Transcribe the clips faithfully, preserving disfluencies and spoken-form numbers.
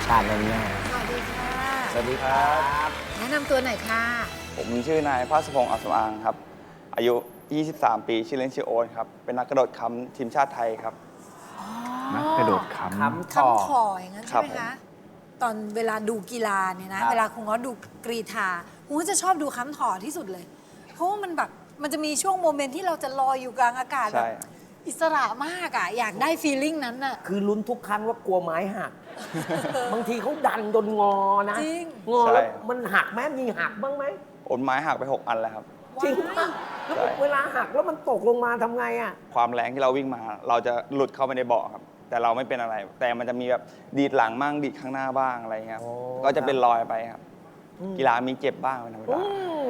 ชาติแน่สวัสดีค่ะสวัสดีครับแนะนำตัวหน่อยค่ะผมชื่อนายภาสพงษ์อัศวางครับ อายุ ยี่สิบสาม ปี ชื่อเล่นชื่อโอ๊ตครับ เป็นนักกระโดดค้ำทีมชาติไทยครับนักกระโดดค้ำค้ำต่อคำขออย่างนั้นใช่ไหมครัคะบตอนเวลาดูกีฬาเนี่ยนะครับเวลาคุณง้อดูกรีฑาคุณก็จะชอบดูค้ำถอที่สุดเลย เพราะว่ามันแบบมันจะมีช่วงโมเมนต์ที่เราจะลอยอยู่กลางอากาศแบใช่บอิสระมากอะอยากได้ฟีลลิ่งนั้นน่ะคือลุ้นทุกครั้งว่ากลัวไม้หัก บางทีเขาดันจนงอนะจริงงอใช่แล้วมันหักไหมมีหักบ้างไหมโอนไม้หักไป หก อันแล้วครับจริงปะแล้วใช่เวลาหักแล้วมันตกลงมาทำไงอ่ะความแรงที่เราวิ่งมา เราจะหลุดเข้าไปในเบาะครับ แต่เราไม่เป็นอะไร แต่มันจะมีแบบดีดหลังบ้างดีดข้างหน้าบ้างอะไรเงี้ยครับโอ้ก็จะเป็นรอยไปครับอืมกีฬามีเจ็บบ้างเป็นธรรมอืดาม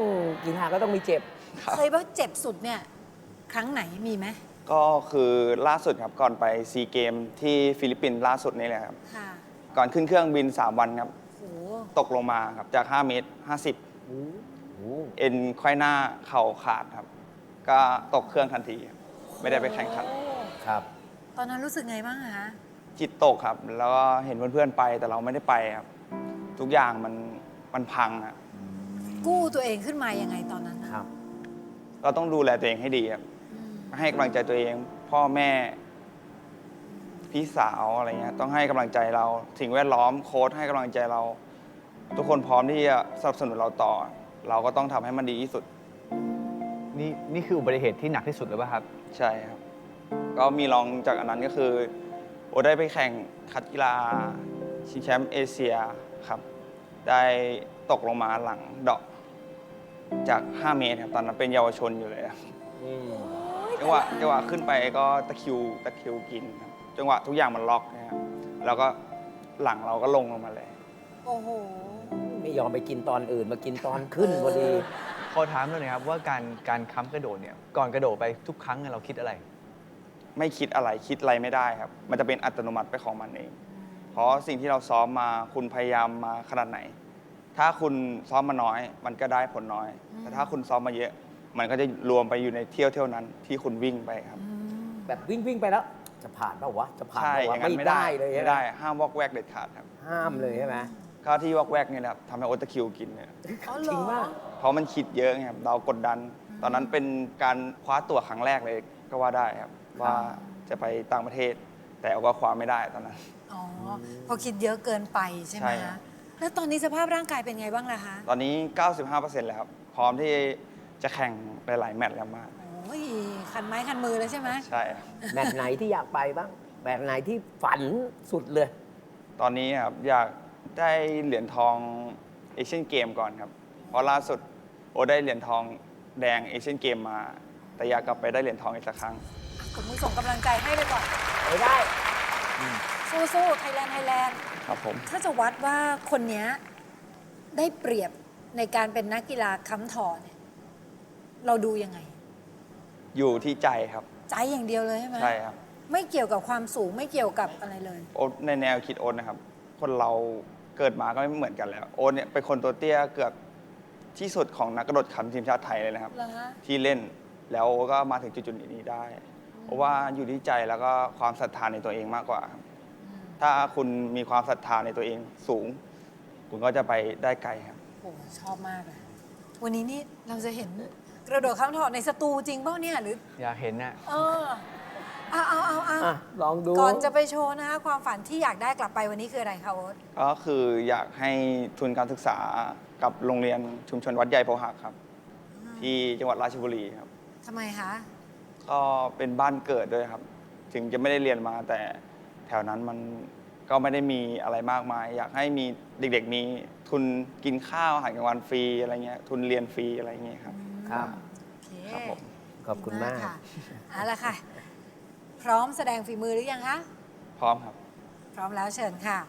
กีฬาก็ต้องมีเจ็บครับเคยว่าเจ็บสุดเนี่ยครั้งไหนมีไหมก็คือล่าสุดครับ ก่อนไปซีเกมที่ฟิลิปปินส์ล่าสุดนี่แหละครับค่ะก่อนขึ้นเครื่องบิน สาม วันครับโหตกลงมาครับจาก ห้า เมตร ห้าสิบ เอ็นไขว้หน้าเข่าขาดครับ ก็ตกเครื่องทันทีครับไม่ได้ไปแข่งขันโอ้ครับตอนนั้นรู้สึกไงบ้างอะคะจิตตกครับ แล้วก็เห็นเพื่อนๆไปแต่เราไม่ได้ไปครับ ทุกอย่างมันมันพังอะกู้ตัวเองขึ้นมายังไงตอนนั้นนะครับเราต้องดูแลตัวเองให้ดีครับอืมให้กำลังใจตัวเอง พ่อแม่ พี่สาวอะไรเงี้ยต้องให้กำลังใจเราสิ่งแวดล้อมโค้ชให้กำลังใจเรา ทุกคนพร้อมที่จะสนับสนุนเราต่อ เราก็ต้องทำให้มันดีที่สุดนี่นี่คืออุบัติเหตุที่หนักที่สุดเลยป่ะครับใช่ครับ ก็มีรองจากอันนั้นก็คือ โอได้ไปแข่งคัดกีฬาชิงแชมป์เอเชียครับ ได้ตกลงมาหลังเดาะจาก ห้า เมตรครับ ตอนนั้นเป็นเยาวชนอยู่เลยครับจังหวะจังหวะขึ้นไปก็ตะคริวตะคริวกินครับจังหวะทุกอย่างมันล็อกนะครับแล้วก็หลังเราก็ลงลงมาเลยโอ้โหไม่ยอมไปกินตอนอื่นมากินตอนขึ้นพอดีขอถามเลยนะครับว่าการการค้ำกระโดดเนี่ยก่อนกระโดดไปทุกครั้งเนี่ยเราคิดอะไรไม่คิดอะไรคิดอะไรไม่ได้ครับ มันจะเป็นอัตโนมัติไปของมันเอง เพราะสิ่งที่เราซ้อมมาคุณพยายามมาขนาดไหน ถ้าคุณซ้อมมาน้อย มันก็ได้ผลน้อย แต่ถ้าคุณซ้อมมาเยอะ มันก็จะรวมไปอยู่ในเที่ยวเที่ยวนั้นที่คุณวิ่งไปครับแบบวิ่งวิ่งไปแล้ว จะผ่านเปล่าวะจะผ่านใช่เปล่าอวะย่างนั้นไม่ไม่ได้ได้เลยไม่ได้ห้ามวอกแวกเด็ดขาดครับห้ามเลยใช่ไหมก็ที่วอกแวกนี่แหละครับทำให้โอตะคริวกินเนี่ยอ๋อเหจรริงอมากเพราะมันคิดเยอะไงครับเรากดดัน ตอนนั้นเป็นการคว้าตั๋วครั้งแรกเลยก็ว่าได้ครับ ว่าจะไปต่างประเทศ แต่เอาก็คว้าไม่ได้ตอนนั้นอ๋อพอคิดเยอะเกินไปใช่ไหมใช่ครัคะบแล้วตอนนี้สภาพร่างกายเป็นไงบ้างล่ะคะตอนนี้ เก้าสิบห้าเปอร์เซ็นต์ แล้วครับ พร้อมที่จะแข่งไปหลายแมตช์แล้วมากโอ้ยคันไม้คันมือเลยใช่ไหมใช่ครับแมตช์ไหนที่อยากไปบ้างแมตช์ไหนที่ฝันสุดเลยตอนนี้ครับอยากได้เหรียญทองเอเชียนเกมก่อนครับ เพราะล่าสุดโอได้เหรียญทองแดงเอเชียนเกมมา แต่อยากกลับไปได้เหรียญทองอีกสักครั้งผมมือส่งกำลังใจให้ไปก่อนไปได้สู้ๆไทยแลนด์ไทยแลนด์ครับผมถ้าจะวัดว่าคนเนี้ยได้เปรียบในการเป็นนักกีฬาค้ำถอเนี่ยเราดูยังไงอยู่ที่ใจครับใจอย่างเดียวเลยใช่ไหมใช่ครับไม่เกี่ยวกับความสูงไม่เกี่ยวกับอะไรเลยโอ๊ตในแนวคิดโอ๊ตนะครับ คนเราเกิดมาก็ไม่เหมือนกันแล้ว โอ๊ตเนี่ยเป็นคนตัวเตี้ยเกือบที่สุดของนักกระโดดค้ำทีมชาติไทยเลยนะครับเหรอฮะที่เล่นแล้วก็มาถึงจุดๆนี้ได้ เพราะว่าอยู่ที่ใจแล้วก็ความศรัทธาในตัวเองมากกว่าครับ ถ้าคุณมีความศรัทธาในตัวเองสูง คุณก็จะไปได้ไกลครับโอ้ชอบมากเลยวันนี้นี่เราจะเห็นกระโดดค้ำถอในสตูจริงเปล่าเนี่ยหรืออยากเห็นน่ะเออเอาเอาเอาเอาอ่ะ ลองดูก่อนจะไปโชว์นะคะความฝันที่อยากได้กลับไปวันนี้คืออะไรคะโอ๊ตก็คืออยากให้ทุนการศึกษากับโรงเรียนชุมชนวัดใหญ่โพหักครับ ที่จังหวัดราชบุรีครับทำไมคะก็เป็นบ้านเกิดด้วยครับ ถึงจะไม่ได้เรียนมาแต่แถวนั้นมันก็ไม่ได้มีอะไรมากมาย อยากให้มีเด็กๆมีทุนกินข้าวอาหารกลางวันฟรีอะไรเงี้ยทุนเรียนฟรีอะไรเงี้ยครับครับโอเคครับผมขอบคุณมากค่ะเอาละค่ะ พร้อมแสดงฝีมือหรือยังคะพร้อมครับพร้อมแล้วเชิญค่ะ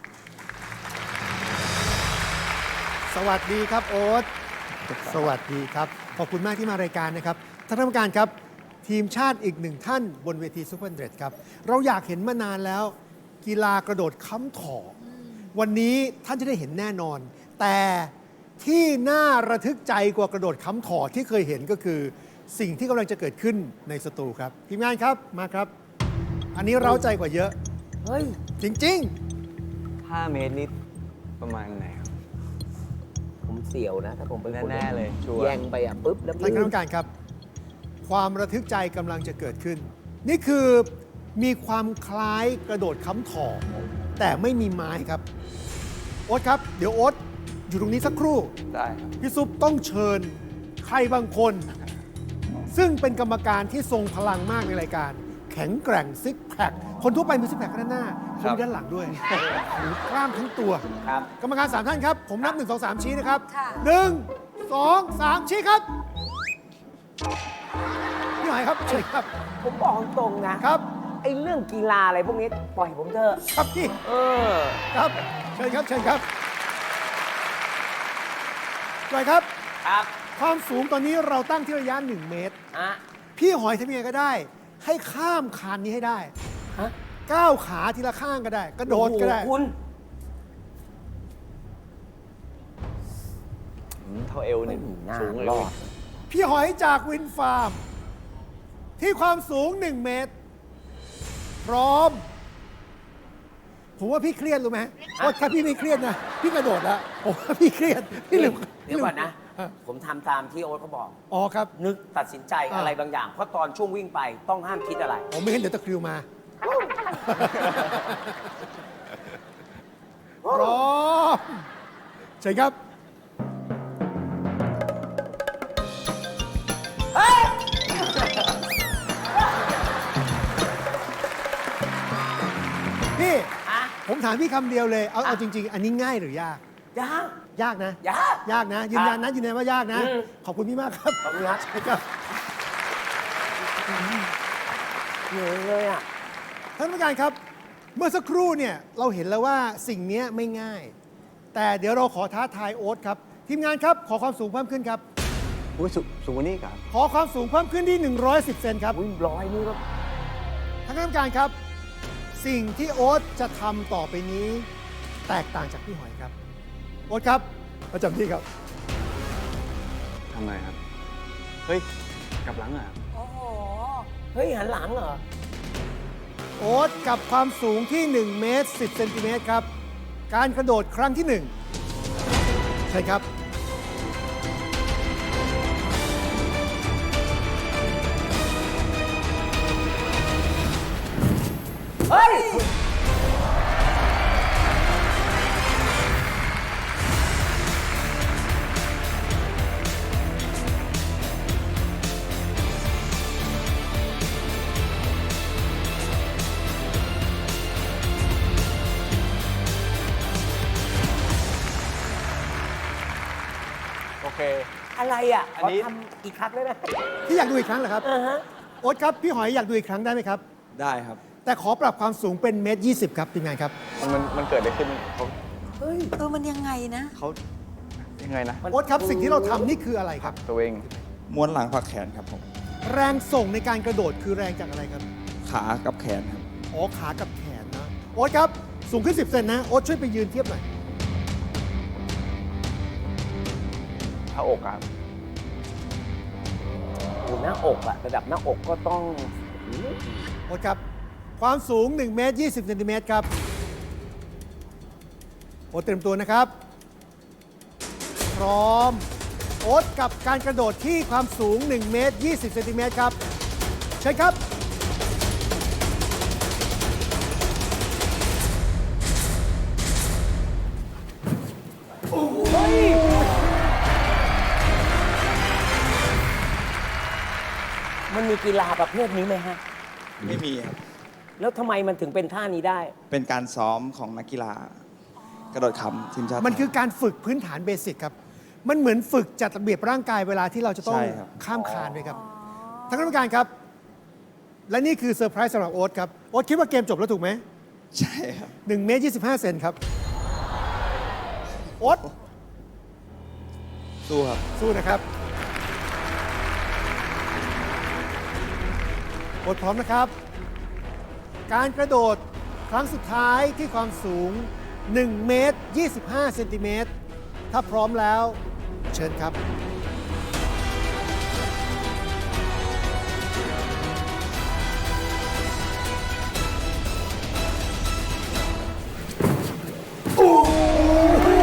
สวัสดีครับโอ๊ต สวัสดีครับ ขอบคุณมากที่มารายการนะครับ ท่านกรรมการครับ ทีมชาติอีกหนึ่งท่านบนเวทีซูเปอร์เดรดครับ เราอยากเห็นมานานแล้ว กีฬากระโดดค้ำถอวันนี้ท่านจะได้เห็นแน่นอน แต่ที่น่าระทึกใจกว่ากระโดดค้ำถอที่เคยเห็นก็คือ สิ่งที่กำลังจะเกิดขึ้นในสตูครับ ทีมงานครับมาครับ อันนี้เร้าใจกว่าเยอะเฮ้ยจริงห้า เมตรนี่ประมาณไหนครับผมเสียวนะ ถ้าผมเป็นคนแน่ๆเลยชัวร์แย่งไปอ่ะปุ๊บแล้วท่านคณะกรรมการครับ ความระทึกใจกำลังจะเกิดขึ้น นี่คือมีความคล้ายกระโดดค้ำถอแต่ไม่มีไม้ครับโอ๊ตครับ เดี๋ยวโอ๊ตอยู่ตรงนี้สักครู่ได้ครับพี่ซุปต้องเชิญใครบางคน ซึ่งเป็นกรรมการที่ทรงพลังมากในรายการ แข็งแกร่งซิกแพคคนทั่วไปมีซิกแพคด้านหน้าเขามีด้านหลังด้วยหรือกล้ามทั้งตัวครับกรรมการสามท่านครับ ผมนับหนึ่งสองสามชี้นะครับค่ะหนึ่งสองสามชี้ครับพี่หอยครับเชิญครับผมบอกตรงๆนะครับ ไอ้เรื่องกีฬาอะไรพวกนี้ปล่อยผมเถอะครับพี่เออครับเชิญครับเชิญครับจอยครับครับความสูงตอนนี้เราตั้งที่ระยะหนึ่งเมตรอ่ะพี่หอยทำยังไงก็ได้ ให้ข้ามคานนี้ให้ได้ฮะก้าวขาทีละข้างก็ได้ กระโดดก็ได้อ้หคุณอืมเท่าเอวหนึ่งไม่มีหน้าสูงเลยรอดพี่หอยจากวินฟาร์ม ที่ความสูงหนึ่งเมตร พร้อม ผมว่าพี่เครียดรู้ไหมเพราะถ้าพี่ไม่เครียดนะ พี่กระโดดแล้วผมว่าพี่เครียดพี่ลืมเดี๋ยวก่อนนะฮผมทำตามที่โอ๊ตเขาบอกอ๋อครับนึกตัดสินใจอ่าอะไรบางอย่าง เพราะตอนช่วงวิ่งไปต้องห้ามคิดอะไรผมไม่เห็นเดี๋ยวตะคริวมา พร้อมเชิญครับ พี่อะผมถามพี่คำเดียวเลย เอาเอาอ่ะจริง ๆ อันนี้ง่ายหรือยากยากยากนะยากยากนะ ยืนยันนะยืนยันว่ายากนะอืมขอบคุณพี่มากครับขอบคุณครับใช่ครับเหนื่อยเลยอ่ะท่านผู้การครับ เมื่อสักครู่เนี่ยเราเห็นแล้วว่าสิ่งนี้ไม่ง่าย แต่เดี๋ยวเราขอท้าทายโอ๊ตครับ ทีมงานครับ ขอความสูงเพิ่มขึ้นครับอุ้ยสูสูงกว่านี้อีกครับขอความสูงเพิ่มขึ้นที่ หนึ่งร้อยสิบ เซนครับอุ้ยร้อยนี่ก็ท่านคณะกรรมการครับ สิ่งที่โอ๊ตจะทำต่อไปนี้ แตกต่างจากพี่หอยครับ โอ๊ตครับประจำที่ครับทำไมครับ เฮ้ย กลับหลังอ่ะโอ้โหเฮ้ย หันหลังเหรอโอ๊ตกับความสูงที่ หนึ่ง เมตร สิบ เซนติเมตรครับ การกระโดดครั้งที่หนึ่งใช่ครับเฮ้ยโอเคอะไรอ่ะอัขนอนี้ทำกี่ครั้งได้ไหมที่อยากดูอีกครั้งเหรอครับอ่าฮะโอ๊ตครับ พี่หอยอยากดูอีกครั้งได้ไหมครับได้ครับแต่ขอปรับความสูงเป็นเมตรยี่สิบครับทีมงานครับมันมันมันเกิดอะไรขึ้นเขาเฮ้ยเออ มันยังไงนะเขายังไงนะมันโอ๊ตครับสิ่งที่เราทำนี่คืออะไรครับตัวเองม้วนหลังผักแขนครับผมแรงส่งในการกระโดดคือแรงจากอะไรครับขากับแขนครับอ๋อขากับแขนนะ โอ๊ตครับ สูงขึ้น สิบ เซนนะ โอ๊ตช่วยไปยืนเทียบหน่อยเท้าอกครับอยู่หน้าอกอะระดับหน้าอกก็ต้องโอ๊ตครับ ความสูง หนึ่ง เมตร ยี่สิบ เซนติเมตรครับ โอ๊ตเตรียมตัวนะครับ พร้อม โอ๊ตกับการกระโดดที่ความสูง หนึ่ง เมตร ยี่สิบ เซนติเมตรครับเชิญครับเฮ้ย มันมีกีฬาประเภทนี้ไหมฮะไม่มีครับแล้วทำไมมันถึงเป็นท่านี้ได้เป็นการซ้อมของนักกีฬา กระโดดขำทีมชาติมันคือการฝึกพื้นฐานเบสิกครับ มันเหมือนฝึกจัดระเบียบร่างกายเวลาที่เราจะต้องใช่ครับข้ามคานด้วยครับท่านคณะกรรมการครับ และนี่คือเซอร์ไพรส์สำหรับโอ๊ตครับ โอ๊ตคิดว่าเกมจบแล้วถูกไหมใช่ครับหนึ่งเมตรยี่สิบห้าเซนครับ โอ๊ตสู้ครับสู้นะครับ โอ๊ตพร้อมนะครับ การกระโดดครั้งสุดท้ายที่ความสูง หนึ่ง เมตร ยี่สิบห้า เซนติเมตร ถ้าพร้อมแล้ว เชิญครับ โอ้โห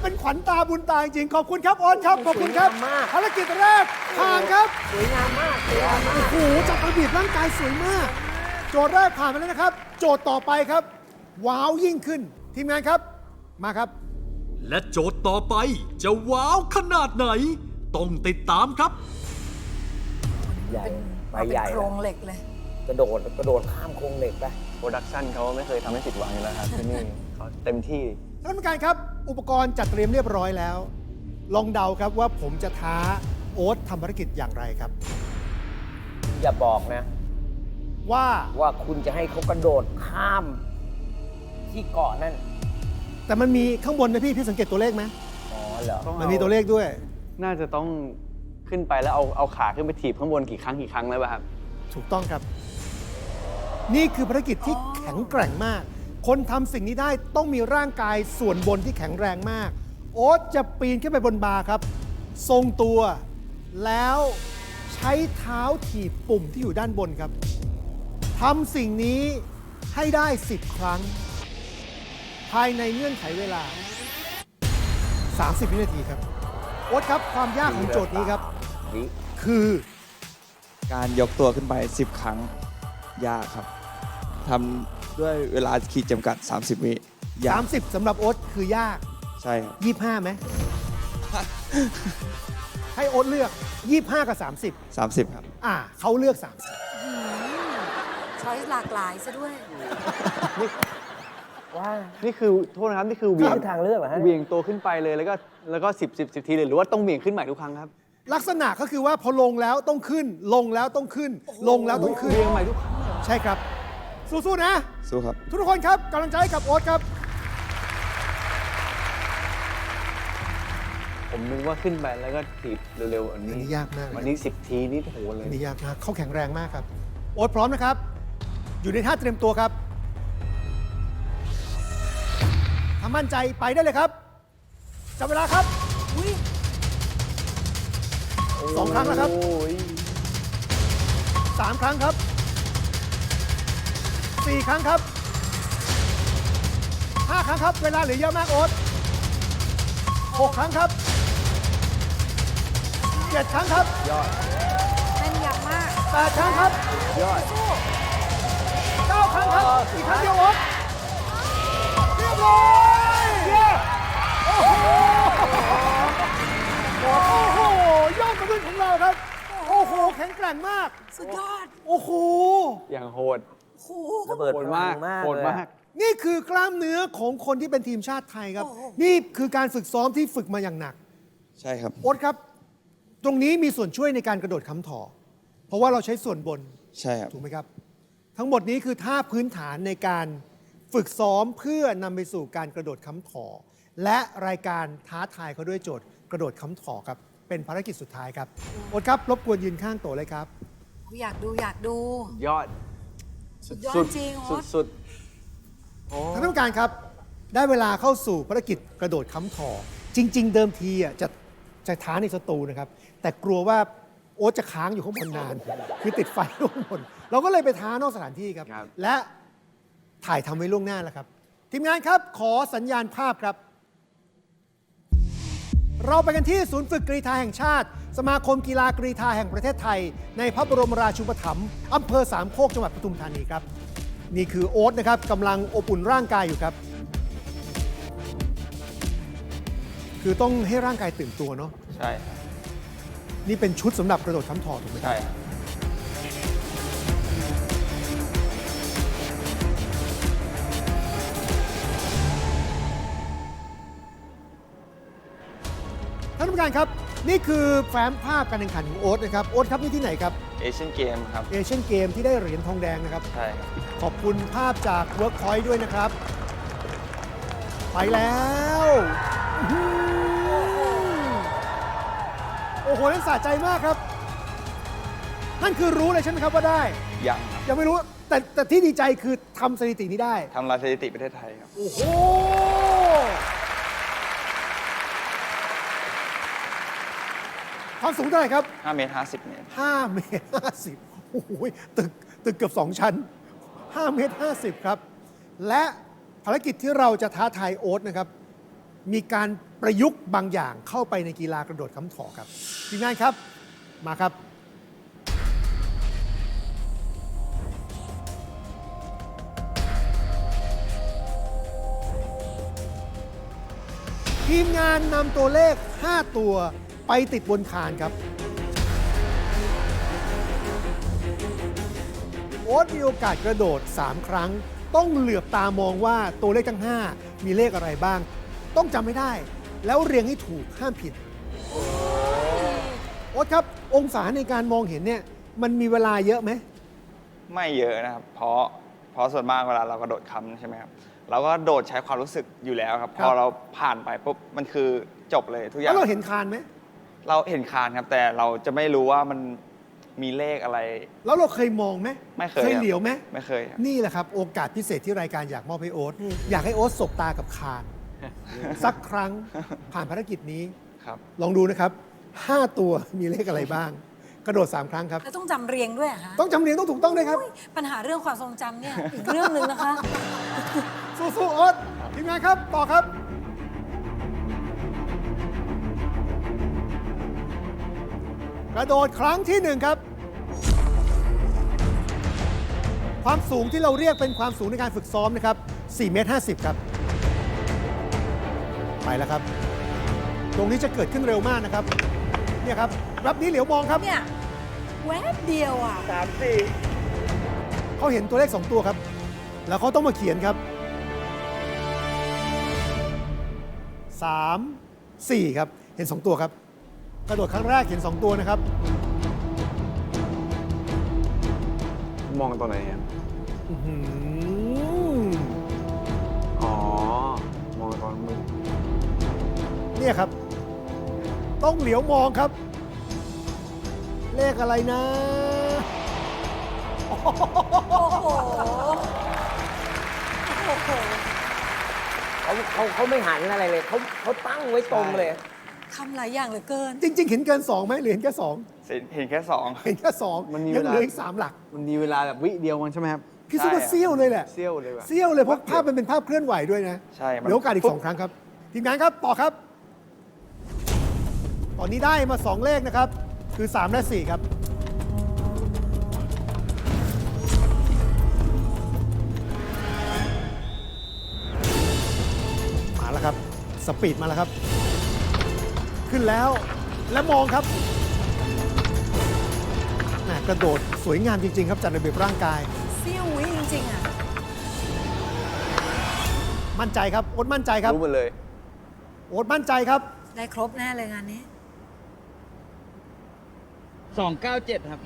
เป็นขวัญตาบุญตาจริงๆขอบคุณครับโอ๊ตครับขอบคุณครับสวยงามมากภารกิจแรกผ่านครับสวยงามมากสวยงามมากโอ้โหจับกระบีบร่างกายสวยมาก โจทย์แรกผ่านไปแล้วนะครับ โจทย์ต่อไปครับ ว้าวยิ่งขึ้น ทีมงานครับ มาครับและโจทย์ต่อไปจะว้าวขนาดไหน ต้องติดตามครับใหญ่ไปเอาเป็ใหญ่นโครงเหล็กเลยกระโดดกระโดดข้ามโครงเหล็กไปโปรดักชันเขาไม่เคยทำให้ผิดหวังอยู่แล้วครับที่นี่เขาเต็มที่ท่านผู้การครับ อุปกรณ์จัดเตรียมเรียบร้อยแล้ว ลองเดาครับว่าผมจะท้าโอ๊ตทำภารกิจอย่างไรครับอย่าบอกนะว่าว่าคุณจะให้เขากระโดดข้ามที่เกาะนั่นแต่มันมีข้างบนนะพี่ พี่สังเกตตัวเลขไหมอ๋อเหรอมันมีตัวเลขด้วยน่าจะต้องขึ้นไปแล้วเอาเอาขาขึ้นไปถีบข้างบนกี่ครั้งกี่ครั้งแล้วป่ะครับถูกต้องครับ นี่คือภารกิจที่แข็งแกร่งมาก คนทำสิ่งนี้ได้ต้องมีร่างกายส่วนบนที่แข็งแรงมาก โอ๊ตจะปีนขึ้นไปบนบาร์ครับ ทรงตัว แล้วใช้เท้าถีบปุ่มที่อยู่ด้านบนครับทำสิ่งนี้ให้ได้สิบครั้ง ภายในเงื่อนไขเวลา สามสิบ วินาทีครับ โอ๊ตครับความยากของโจทย์นี้ครับวิคือการยกตัวขึ้นไป สิบ ครั้ง ยากครับทำด้วยเวลาขีดจำกัด สามสิบ วิยากสามสิบ สำหรับโอ๊ตคือยากใช่ครับยี่สิบห้าไหม ให้โอ๊ตเลือก ยี่สิบห้า กับ สามสิบสามสิบ ครับอ่าเขาเลือก สามสิบช้อยหลากหลายซะด้วยว่านี่คือโทษนะครับ นี่คือเหวี่ยงนี่คือทางเลือกเหรอฮะเหวี่ยงตัวขึ้นไปเลยแล้วก็แล้วก็สิบสิบสิบทีเลยหรือว่าต้องเหวี่ยงขึ้นใหม่ทุกครั้งครับลักษณะก็คือว่าพอลงแล้วต้องขึ้น ลงแล้วต้องขึ้น ลงแล้วต้องขึ้นเหวี่ยงใหม่ทุกครั้งใช่ครับ สู้ๆนะสู้ครับทุกคนครับกำลังใจให้กับโอ๊ตครับผมนึกว่าขึ้นไปแล้วก็ถีบเร็วๆอันนี้อันนี้ยากมากเลยวันนี้สิบทีนี่โหเลยอันนี้ยากมากเขาแข็งแรงมากครับ โอ๊ตพร้อมนะครับ อยู่ในท่าเตรียมตัวครับถ้ามั่นใจไปได้เลยครับจับเวลาครับสองครั้งแล้วครับโอ้ยสามครั้งครับสี่ครั้งครับห้าครั้งครับ เวลาเหลือเยอะมากโอ๊ตหกครั้งครับเจ็ดครั้งครับแม่นยำมากแปดครั้งครับเก้าครั้งครับ อีกครั้งเดียวโอ๊ตเรียบร้อยโอ้โหโอ้โหยอดมนุษย์ของเราครับ โอ้โห แข็งแกร่งมากสุดยอดโอ้โหอย่างโหดโอ้โหระเบิดโหพดลัมากงมากโหดเลยมาอะกนี่คือกล้ามเนื้อของคนที่เป็นทีมชาติไทยครับโอ้โหนี่คือการฝึกซ้อมที่ฝึกมาอย่างหนักใช่ครับโอ๊ตครับ ตรงนี้มีส่วนช่วยในการกระโดดค้ำถอ เพราะว่าเราใช้ส่วนบนใช่ครับถูกไหมครับ ทั้งหมดนี้คือท่าพื้นฐานในการฝึกซ้อมเพื่อนำไปสู่การกระโดดค้ำถอ และรายการท้าทายเขาด้วยโจทย์กระโดดค้ำถอครับ เป็นภารกิจสุดท้ายครับโอ๊ตครับรบกวนยืนข้างโตเลยครับอยากดูอยากดูยอดสุดยอดสุดจริงโอ๊สุดตสุดท่านผู้การครับ ได้เวลาเข้าสู่ภารกิจกระโดดค้ำถอ จริง ๆ เดิมทีอ่ะจะจะท้าในสตูนะครับ แต่กลัวว่าโอ๊ตจะค้างอยู่ข้างบนนาน คือติดไฟข้างบน เราก็เลยไปท้านอกสถานที่ครับครับและถ่ายทำไว้ล่วงหน้าแล้วครับ ทีมงานครับขอสัญญาณภาพครับ เราไปกันที่ศูนย์ฝึกกรีฑาแห่งชาติ สมาคมกีฬากรีฑาแห่งประเทศไทย ในพระบรมราชูปถัมภ์อำเภอสามโคกจังหวัดปทุมธานีครับ นี่คือโอ๊ตนะครับกำลังอบอุ่นร่างกายอยู่ครับ คือต้องให้ร่างกายตื่นตัวเนาะใช่ครับนี่เป็นชุดสำหรับกระโดดค้ำถอถูกไหมครับใช่ครับท่านผู้การครับ นี่คือแฟ้มภาพการแข่งขันของโอ๊ตนะครับ โอ๊ตครับนี่ที่ไหนครับเอเชียนเกมครับเอเชียนเกมที่ได้เหรียญทองแดงนะครับใช่ครับขอบคุณภาพจาก Workpoint ด้วยนะครับ ไปแล้วอื้อหือโอ้โหนั่นสะใจมากครับ นั่นคือรู้เลยใช่ไหมครับว่าได้ยังครับยังไม่รู้ แต่แต่ที่ดีใจคือทำสถิตินี้ได้ทำลายสถิติประเทศไทยครับโอ้โห ความสูงเท่าไหร่ครับห้าเมตรห้าสิบเมตร 5 เมตร 50 โอ้โหตึกตึกเกือบ 2 ชั้น 5 เมตร 50 ครับ และภารกิจที่เราจะท้าทายโอ๊ตนะครับมีการประยุกต์บางอย่างเข้าไปในกีฬากระโดดค้ำถอครับทีมงานครับมาครับ ทีมงานนำตัวเลข ห้า ตัวไปติดบนคานครับ โอ๊ตมีโอกาสกระโดด สาม ครั้ง ต้องเหลือบตามองว่าตัวเลขทั้ง ห้า มีเลขอะไรบ้าง ต้องจำไม่ได้ แล้วเรียงให้ถูกห้ามผิด โอ๊ตครับ องศาในการมองเห็นเนี่ย มันมีเวลาเยอะไหมไม่เยอะนะครับ เพราะเพราะส่วนมากเวลาเรากระโดดค้ำใช่ไหมครับ เราก็โดดใช้ความรู้สึกอยู่แล้วครับครับพอเราผ่านไปปุ๊บมันคือจบเลยทุกอย่าแล้งวเราเห็นคานไหมเราเห็นคานครับ แต่เราจะไม่รู้ว่ามันมีเลขอะไรแล้วเราเคยมองไหมไม่เคยเคยครับเหลียวไหมไม่เคยครับนี่แหละครับ โอกาสพิเศษที่รายการอยากมอบให้โอ๊ตอยากให้โอ๊ตสบตากับคาน สักครั้งผ่านภารกิจนี้ครับลองดูนะครับ ห้า ตัวมีเลขอะไรบ้าง กระโดด สาม ครั้งครับแล้วต้องจำเรียงด้วยเหรอคะต้องจำเรียงต้องถูกต้องด้วยครับปัญหาเรื่องความทรงจำเนี่ย อีกเรื่องหนึ่งนะคะสู้ๆโอ๊ตทีมงานครับ ต่อครับ กระโดดครั้งที่หนึ่งครับ ความสูงที่เราเรียกเป็นความสูงในการฝึกซ้อมนะครับ สี่เมตรห้าสิบ ครับ ไปแล้วครับ ตรงนี้จะเกิดขึ้นเร็วมากนะครับ เนี่ยครับ รับนี้เหลียวมองครับเนี่ยแวบเดียวอ่ะสามสี่เขาเห็นตัวเลข สอง ตัวครับ แล้วเขาต้องมาเขียนครับ สาม สี่ ครับ เห็น สอง ตัวครับ กระโดดครั้งแรกเห็น สอง ตัวนะครับมองตรงไหนครับอื้อหืออ๋อ มองตอนมือเนี่ยครับ ต้องเหลียวมองครับ เลขอะไรนะโอ้โห โอ้โหเขาเขาเขาไม่หันอะไรเลยเขาเขาตั้งไว้ตรงเลยทำหลายอย่างเหลือเกินจริง ๆ เห็นเกิน สอง ไหมหรือเห็นแค่ สองเห็นแค่สองเห็นแค่สองมันมียังเวลาเหลืออีกสามหลักมันมีเวลาแบบวิเดียวมันใช่ไหมครับพี่ซุปเปอร์ใช่เซี่ยวเลยแหละเซี่ยวเลยว่ะเซี่ยวเลยเพราะภาพมันเป็นภาพเคลื่อนไหวด้วยนะใช่มันเหลือโอกาสอีก สอง ครั้งครับ ทีมงานครับ ต่อครับ ตอนนี้ได้มา สอง เลขนะครับ คือ สาม และ สี่ ครับ มาแล้วครับ สปีดมาแล้วครับ ขึ้นแล้ว และมองครับแหม่กระโดดสวยงามจริง ๆ ครับจัดระเบียบร่างกายเซี่ยววิจริงๆอ่ะมั่นใจครับ โอ๊ตมั่นใจครับรู้หมดเลยโอ๊ตมั่นใจครับได้ครบแน่เลยงานนี้สองเก้าเจ็ดครับ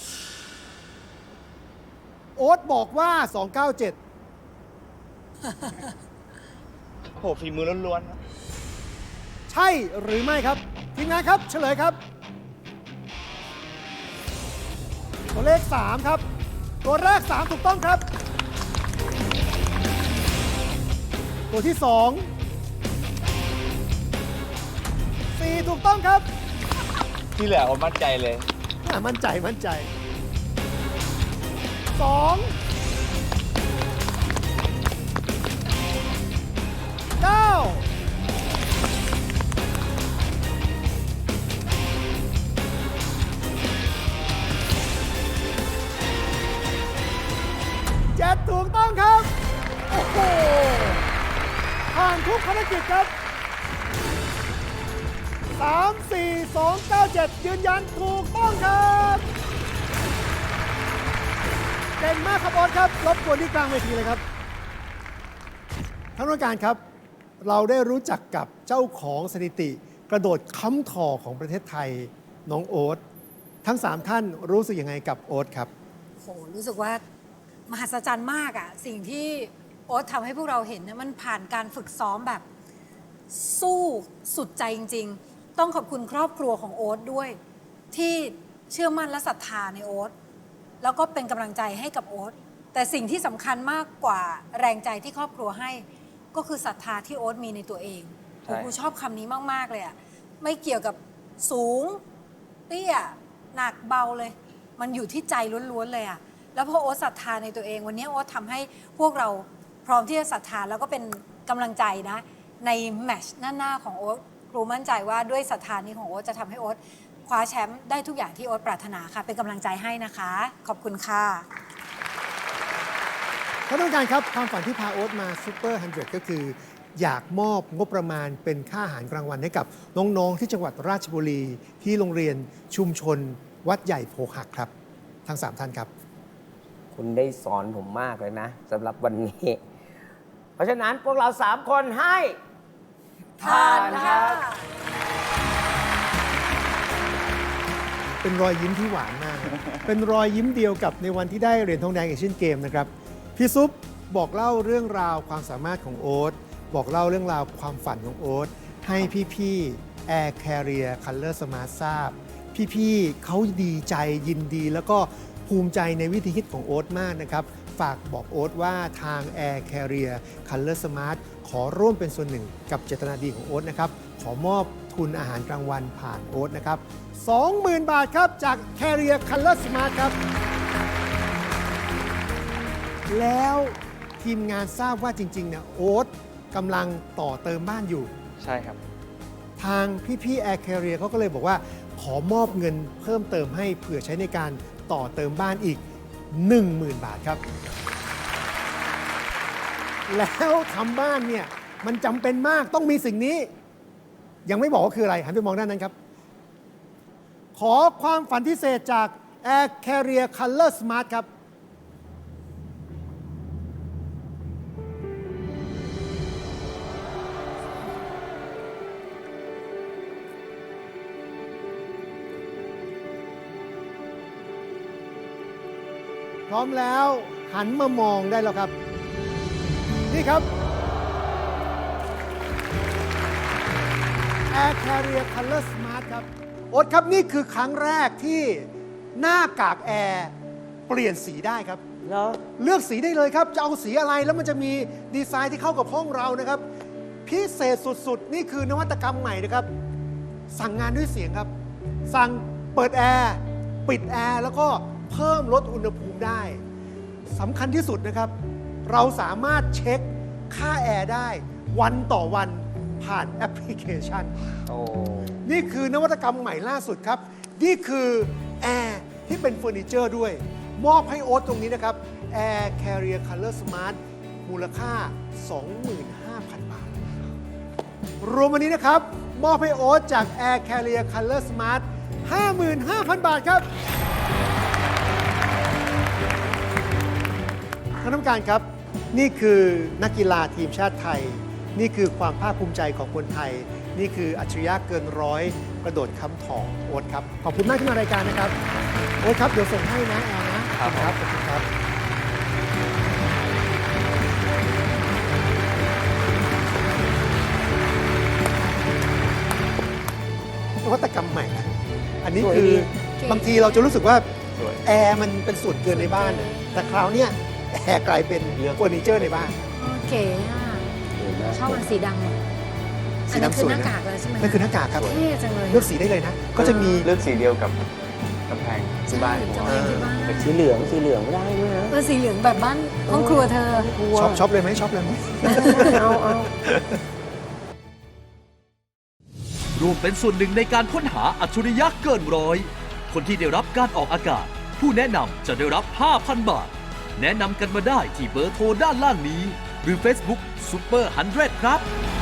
โอ๊ตบอกว่า สองเก้าเจ็ดโหฝีมือล้วนๆครับใช่หรือไม่ครับ ทีมงานครับ เฉลยครับ ตัวเลข สาม ครับ ตัวแรก สาม ถูกต้องครับ ตัวที่ สอง สี่ ถูกต้องครับที่เหลือผมมั่นใจเลยอ่ะมั่นใจ มั่นใจ สอง เก้า เจ็ด ถูกต้องครับ โอ้โห ผ่านทุกภารกิจครับ สาม สี่ สอง เก้า เจ็ด ยืนยันถูกต้องครับเก่งมากครับบอสครับ รบกวนที่กลางเวทีเลยครับท่านผู้การครับ เราได้รู้จักกับเจ้าของสถิติ กระโดดค้ำถอของประเทศไทย น้องโอ๊ต ทั้ง สาม ท่านรู้สึกยังไงกับโอ๊ตครับโห รู้สึกว่ามหัศจรรย์มากอะสิ่งที่โอ๊ตทำให้พวกเราเห็นเนี่ยมันผ่านการฝึกซ้อมแบบสู้สุดใจจริง ๆ ต้องขอบคุณครอบครัวของโอ๊ตด้วย ที่เชื่อมั่นและศรัทธาในโอ๊ตแล้วก็เป็นกำลังใจให้กับโอ๊ตแต่สิ่งที่สำคัญมากกว่าแรงใจที่ครอบครัวให้ ก็คือศรัทธาที่โอ๊ตมีในตัวเองใช่ผมชอบคำนี้มาก ๆ เลยอะไม่เกี่ยวกับสูงเตี้ยหนักเบาเลย มันอยู่ที่ใจล้วน ๆ เลยอะแล้วพอโอ๊ตศรัทธาในตัวเอง วันนี้โอ๊ตทำให้พวกเราพร้อมที่จะศรัทธาแล้วก็เป็นกำลังใจนะในแมตช์หน้าๆของโอ๊ตครูมั่นใจว่าด้วยศรัทธานี้ของโอ๊ตจะทำให้โอ๊ตคว้าแชมป์ได้ทุกอย่างที่โอ๊ตปรารถนาค่ะเป็นกำลังใจให้นะคะขอบคุณค่ะท่านผู้การครับความฝันที่พาโอ๊ตมาซูเปอร์ฮันเดรดก็คือ อยากมอบงบประมาณเป็นค่าอาหารกลางวันให้กับน้องๆที่จังหวัดราชบุรี ที่โรงเรียนชุมชนวัดใหญ่โพหักครับ ทั้งสามท่านครับคุณได้สอนผมมากเลยนะสำหรับวันนี้ เพราะฉะนั้นพวกเราสามคนให้ทานครับเป็นรอยยิ้มที่หวานมากครับ เป็นรอยยิ้มเดียวกับในวันที่ได้เหรียญทองแดงเอเชียนเกมนะครับ พี่ซุปบอกเล่าเรื่องราวความสามารถของโอ๊ตบอกเล่าเรื่องราวความฝันของโอ๊ตให้พี่ๆ Air Carrier Color Smart ทราบ พี่ๆเขาดีใจยินดี แล้วก็ภูมิใจในวิธีคิดของโอ๊ตมากนะครับ ฝากบอกโอ๊ตว่าทาง Air Carrier Color Smart ขอร่วมเป็นส่วนหนึ่งกับเจตนาดีของโอ๊ตนะครับ ขอมอบทุนอาหารกลางวันผ่านโอ๊ตนะครับ สองหมื่น บาทครับจาก Carrier Color Smart ครับ แล้วทีมงานทราบว่าจริงๆเนี่ยโอ๊ตกำลังต่อเติมบ้านอยู่ใช่ครับทางพี่ๆ Air Carrier เขาก็เลยบอกว่าขอมอบเงินเพิ่มเติมให้เผื่อใช้ในการต่อเติมบ้านอีก หนึ่งหมื่น บาทครับ แล้วทำบ้านเนี่ยมันจำเป็นมากต้องมีสิ่งนี้ ยังไม่บอกว่าคืออะไร หันไปมองด้านนั้นครับ ขอความฝันพิเศษจาก Air Carrier Color Smart ครับ พร้อมแล้วหันมามองได้แล้วครับ นี่ครับ Air Carrier Color Smart ครับโอ๊ตครับนี่คือครั้งแรกที่หน้ากากแอร์เปลี่ยนสีได้ครับเหรอเลือกสีได้เลยครับ จะเอาสีอะไรแล้วมันจะมีดีไซน์ที่เข้ากับห้องเรานะครับ พิเศษสุดๆ นี่คือนวัตกรรมใหม่นะครับ สั่งงานด้วยเสียงครับ สั่งเปิดแอร์ปิดแอร์แล้วก็เพิ่มลดอุณหภูมิได้สำคัญที่สุดนะครับ เราสามารถเช็คค่าแอร์ได้วันต่อวันผ่านแอปพลิเคชันโอ้นี่คือนวัตกรรมใหม่ล่าสุดครับ นี่คือแอร์ที่เป็นเฟอร์นิเจอร์ด้วย มอบให้โอ๊ตตรงนี้นะครับ Air Carrier Color Smart มูลค่า สองหมื่นห้าพัน บาท รวมวันนี้นะครับ มอบให้โอ๊ตจาก Air Carrier Color Smart ห้าหมื่นห้าพัน บาทครับท่านผู้การครับ นี่คือนักกีฬาทีมชาติไทย นี่คือความภาคภูมิใจของคนไทย นี่คืออัจฉริยะเกินร้อยกระโดดค้ำทองโอ๊ตครับ ขอบคุณมากที่มารายการนะครับ โอ๊ตครับ เดี๋ยวส่งให้นะแอลนะครับ ขอบคุณครับนวัตกรรมใหม่นะอันนี้สวยคือดีบางทีเราจะรู้สึกว่าสวยแอร์มันเป็นส่วนเกินในบ้านนะแต่คราวเนี้ยแอร์กลายเป็นเฟอร์นิเจอร์ในบ้านโอเคอ่ะชอบอันสีดำอ่ะสีอันนั้นดำคืสอวยหน้านะกากเลยใช่ไหมนั่นคือหน้ากากครับเท่จังเลยเลือกสีได้เลยนะ ก็จะมีเลือกสีเดียวกับกำแพงที่บ้านผมจะเป็นที่บ้านสีเหลืองสีเหลืองไม่ได้ด้วยนะเออสีเหลืองแบบบ้านห้องครัวเธอช็อปช็อปเลยไหมช็อปเลยไหมเอาเอาร่วมเป็นส่วนหนึ่งในการค้นหาอัจฉริยะเกินร้อย คนที่ได้รับการออกอากาศ ผู้แนะนำจะได้รับ ห้าพัน บาท แนะนำกันมาได้ที่เบอร์โทรด้านล่างนี้ หรือ Facebook Super หนึ่งร้อย ครับ